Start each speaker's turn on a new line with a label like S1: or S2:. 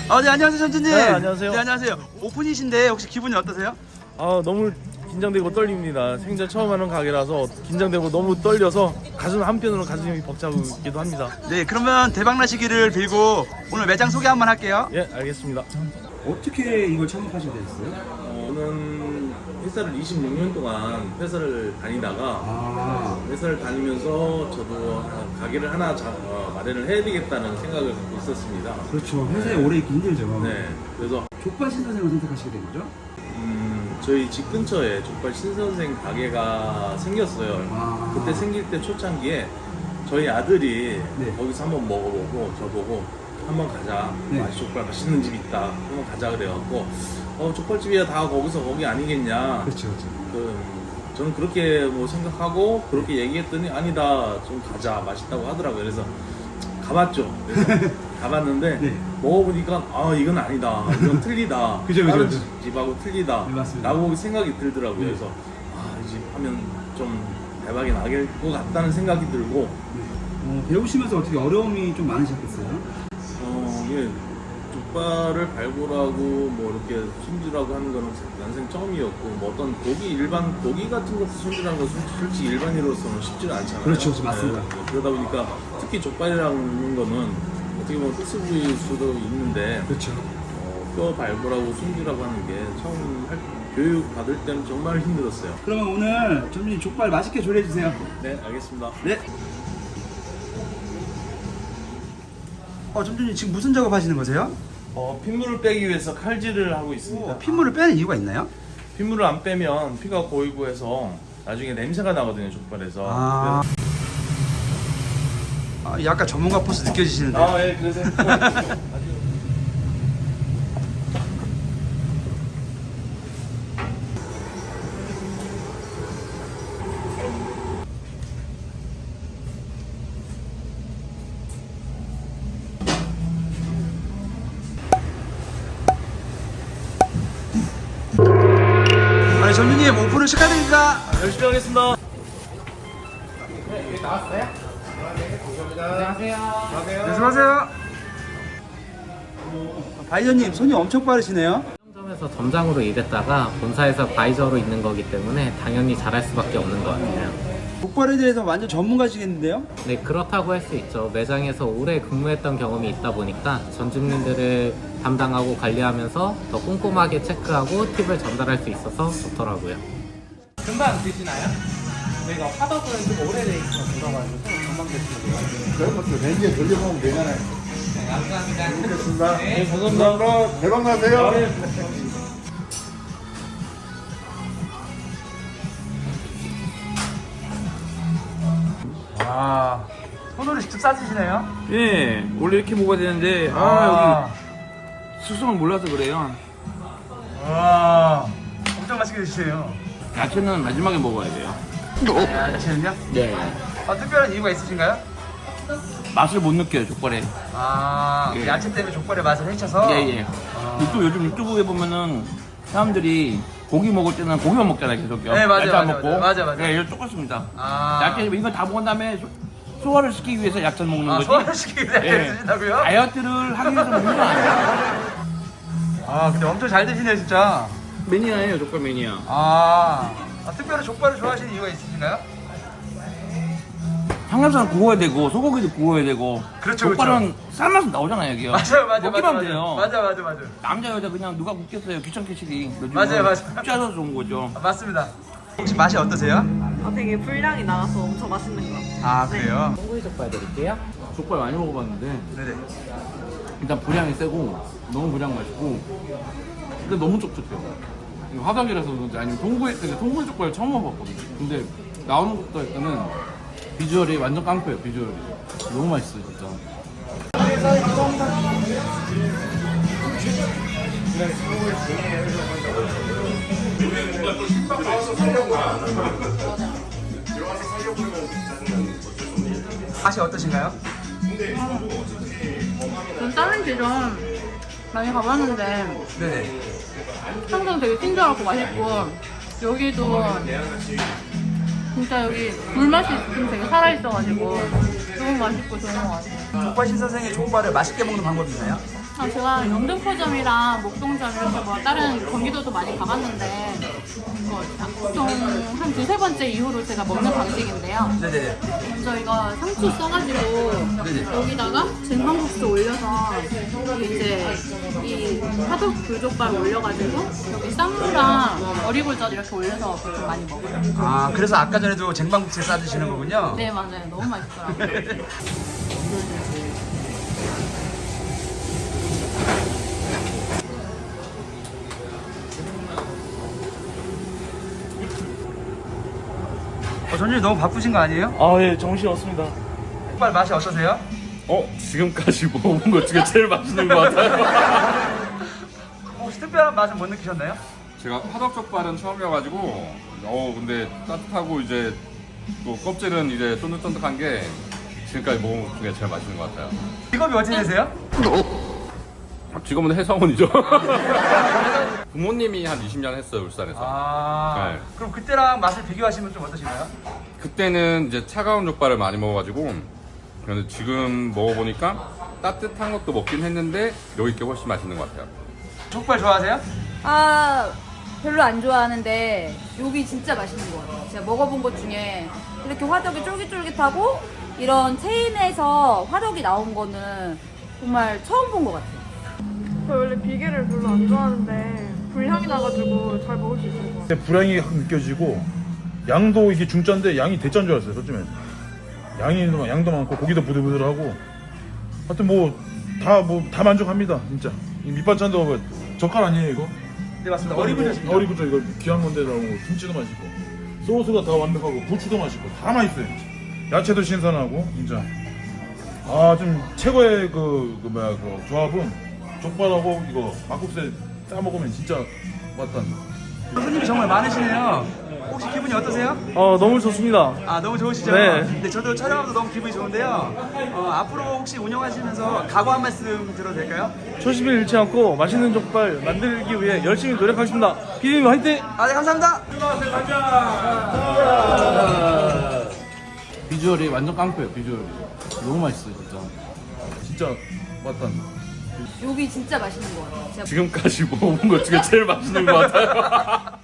S1: 네, 안녕하세요, 전주님.
S2: 네, 안녕하세요.
S1: 네, 안녕하세요. 오픈이신데 혹시 기분이 어떠세요?
S2: 너무 긴장되고 떨립니다. 생전 처음 하는 가게라서 긴장되고 너무 떨려서 한편으로 가슴이 벅차기도 합니다.
S1: 네, 그러면 대박 나시기를 빌고 오늘 매장 소개 한번 할게요.
S2: 예, 알겠습니다.
S1: 어떻게 이걸 창업하시게 되셨어요?
S2: 저는 회사를 26년 동안 회사를 다니다가 회사를 다니면서 저도 가게를 하나 마련을 해야 되겠다는 생각을 갖고 있었습니다.
S1: 그렇죠. 회사에 오래 있기 힘들죠.
S2: 네, 그래서
S1: 족발 신선생을 선택하시게 된 거죠?
S2: 저희 집 근처에 족발 신선생 가게가 생겼어요. 그때 생길 때 초창기에 저희 아들이 거기서 한번 먹어보고 저보고 한번 가자. 족발 맛있는 집 있다. 한번 가자 그래갖고 족발집이야 다 거기 아니겠냐.
S1: 그렇죠.
S2: 저는 그렇게 뭐 생각하고 그렇게 얘기했더니 아니다 좀 가자 맛있다고 하더라고요. 그래서 가봤죠. 그래서 가봤는데 먹어보니까 이건 아니다. 이건 틀리다. 다른 집하고 틀리다. 라고 생각이 들더라고요. 그래서 이 집 하면 좀 대박이 나길 것 같다는 생각이 들고
S1: 배우시면서 어떻게 어려움이 좀 많으셨겠어요?
S2: 예, 족발을 발굴하고 뭐 이렇게 손질하고 하는 거는 난생 처음이었고 뭐 어떤 고기 같은 것도 손질하는 건 솔직히 일반인으로서는 쉽지가 않잖아요.
S1: 그렇죠, 맞습니다.
S2: 그러다 보니까 특히 족발이라는 거는 어떻게 보면 특수부위일 수도 있는데
S1: 그렇죠.
S2: 뼈 발굴하고 손질하고 하는 게 처음 교육 받을 때는 정말 힘들었어요.
S1: 그러면 오늘 전주님 족발 맛있게 조리해 주세요.
S2: 네, 알겠습니다.
S1: 네. 전주님 지금 무슨 작업하시는 거세요?
S2: 핏물을 빼기 위해서 칼질을 하고 있습니다.
S1: 핏물을 빼는 이유가 있나요?
S2: 핏물을 안 빼면 피가 고이고 해서 나중에 냄새가 나거든요, 족발에서.
S1: 약간 전문가 포스 느껴지시는데.
S2: 예, 그러세요.
S1: 전주님 오픈을 축하드립니다.
S2: 열심히 하겠습니다.
S1: 네, 수고하세요. 바이저님 손이 엄청 빠르시네요.
S3: 점에서 점장으로 일했다가 본사에서 바이저로 있는 거기 때문에 당연히 잘할 수밖에 없는 것 같아요.
S1: 족발에 대해서 완전 전문가시겠는데요?
S3: 네, 그렇다고 할 수 있죠. 매장에서 오래 근무했던 경험이 있다 보니까 전주님들을 담당하고 관리하면서 더 꼼꼼하게 체크하고 팁을 전달할 수 있어서 좋더라고요.
S4: 금방 드시나요? 저희가 화덕은 좀 오래돼 있어서 들어가지고 금방 드시면 돼요.
S5: 그런 것도 렌즈에 돌려보면 되잖아요.
S4: 네, 감사합니다.
S5: 알겠습니다.
S4: 네.
S5: 감사합니다. 대박 나세요.
S1: 손으로 직접 싸주시네요.
S6: 예, 원래 이렇게 먹어야 되는데 여기 수성을 몰라서 그래요.
S1: 엄청 맛있게 드시네요.
S6: 야채는 마지막에 먹어야 돼요.
S1: 야채는요?
S6: 네.
S1: 특별한 이유가 있으신가요?
S6: 맛을 못 느껴요, 족발에. 예.
S1: 야채 때문에 족발의 맛을 해쳐서.
S6: 예. 요즘 유튜브에 보면은 사람들이 고기 먹을 때는 고기만 먹잖아요, 계속요.
S1: 네, 맞아요,
S6: 야채 안
S1: 맞아요,
S6: 먹고.
S1: 맞아요.
S6: 네, 이거 똑같습니다. 야채 이거 다 먹은 다음에 소화를 시키기 위해서 야채를 먹는 거지.
S1: 소화를 시키기 위해서 야채를 드신다고요?
S6: 다이어트를 하기 위해서 먹는 거 아니에요.
S1: 근데 엄청 잘 드시네요, 진짜.
S6: 매니아예요, 족발 매니아.
S1: 특별히 족발을 좋아하시는 이유가 있으신가요?
S6: 삼겹살은 구워야 되고 소고기도 구워야 되고.
S1: 그렇죠,
S6: 족발은 삶아서 나오잖아요, 여기요.
S1: 맞아요.
S6: 먹기만 돼요.
S1: 맞아.
S6: 남자 여자 그냥 누가 굽겠어요, 귀찮게 시기.
S1: 맞아요.
S6: 쉽지 않아서 좋은 거죠.
S1: 맞습니다. 혹시 맛이 어떠세요?
S7: 되게 분량이 나와서 엄청 맛있는 것 같아요.
S1: 그래요?
S3: 송구이 족발 드릴게요.
S6: 족발 많이 먹어봤는데
S1: 네네.
S6: 일단 분량이 세고 너무 분량 맛있고 근데 너무 촉촉해요. 이거 화덕이라서 그런지 아니면 통구이 족발 처음 먹어봤거든요. 근데 나오는 것도 일단은 비주얼이 완전 깡패예요. 비주얼이 너무 맛있어요, 진짜.
S1: 맛이 어떠신가요?
S7: 전 다른 지점 많이 가봤는데
S1: 네네.
S7: 항상 되게 친절하고 맛있고 여기도 진짜 여기 물맛이 좀 되게 살아있어가지고 너무 맛있고 좋은 것 같아요.
S1: 족발 신선생의 족발을 맛있게 먹는 방법이 있나요?
S7: 제가 영등포점이랑 목동점 이렇게 뭐 다른 경기도도 많이 가봤는데 보통 한 두세 번째 이후로 제가 먹는 방식인데요.
S1: 네네네.
S7: 먼저 이거 상추 써가지고
S1: 네네.
S7: 여기다가 쟁반국수 올려서 여기 이제 이 화덕 불족발 올려가지고 여기 쌈무랑 어리굴젓 이렇게 올려서 보통 많이 먹어요.
S1: 아, 그래서 아까 전에도 쟁반국수에 싸드시는 거군요?
S7: 네 맞아요. 너무 맛있더라고요.
S1: 전주님 너무 바쁘신 거 아니에요?
S2: 아, 예, 정신 없습니다.
S1: 족발 맛이 어떠세요?
S2: 지금까지 먹어본 것 중에 제일 맛있는 것 같아요.
S1: 혹시 특별한 맛은 못 느끼셨나요?
S8: 제가 화덕족발은 처음이어가지고 근데 따뜻하고 이제 또 껍질은 이제 쫀득쫀득한 게 지금까지 먹은 것 중에 제일 맛있는 것 같아요.
S1: 직업이 어찌 되세요?
S8: 지금은 회사원이죠. 부모님이 한 20년 했어요, 울산에서.
S1: 아,
S8: 네.
S1: 그럼 그때랑 맛을 비교하시면 좀 어떠신가요?
S8: 그때는 이제 차가운 족발을 많이 먹어가지고 그런데 지금 먹어보니까 따뜻한 것도 먹긴 했는데 여기 게 훨씬 맛있는 것 같아요.
S1: 족발 좋아하세요?
S9: 아, 별로 안 좋아하는데 여기 진짜 맛있는 것 같아요. 제가 먹어본 것 중에 이렇게 화덕이 쫄깃쫄깃하고 이런 체인에서 화덕이 나온 거는 정말 처음 본 것 같아요.
S10: 저 원래 비계를 별로 안 좋아하는데 불향이 나가지고 잘 먹을 수 있을 것 같아요.
S5: 불향이 확 느껴지고 양도 이게 중짜인데 양이 대짜인 줄 알았어요. 솔직히 양도 많고 고기도 부들부들하고 하여튼 다 만족합니다. 진짜 이 밑반찬도 뭐 젓갈 아니에요 이거?
S1: 네 맞습니다. 어리굴젓입니다.
S5: 어리굴젓 이거 귀한 건데 나오고 김치도 맛있고 소스가 다 완벽하고 부추도 맛있고 다 맛있어요. 야채도 신선하고 진짜 좀 최고의 그 조합은 족발하고 이거 막국수에 싸 먹으면 진짜 맛단.
S1: 손님이 정말 많으시네요. 혹시 기분이 어떠세요?
S2: 너무 좋습니다.
S1: 아, 너무 좋으시죠?
S2: 네.
S1: 저도 촬영하면서 너무 기분이 좋은데요. 앞으로 혹시 운영하시면서 각오 한 말씀 들어도 될까요?
S2: 초심을 잃지 않고 맛있는 족발 만들기 위해 열심히 노력하겠습니다. 피디님 화이팅!
S1: 네, 감사합니다.
S6: 비주얼이 완전 깡패예요, 비주얼이. 너무 맛있어요, 진짜.
S5: 진짜 맛단.
S9: 여기 진짜 맛있는 것 같아요. 제가
S8: 지금까지 먹어본 것 중에 제일 맛있는 것 같아요.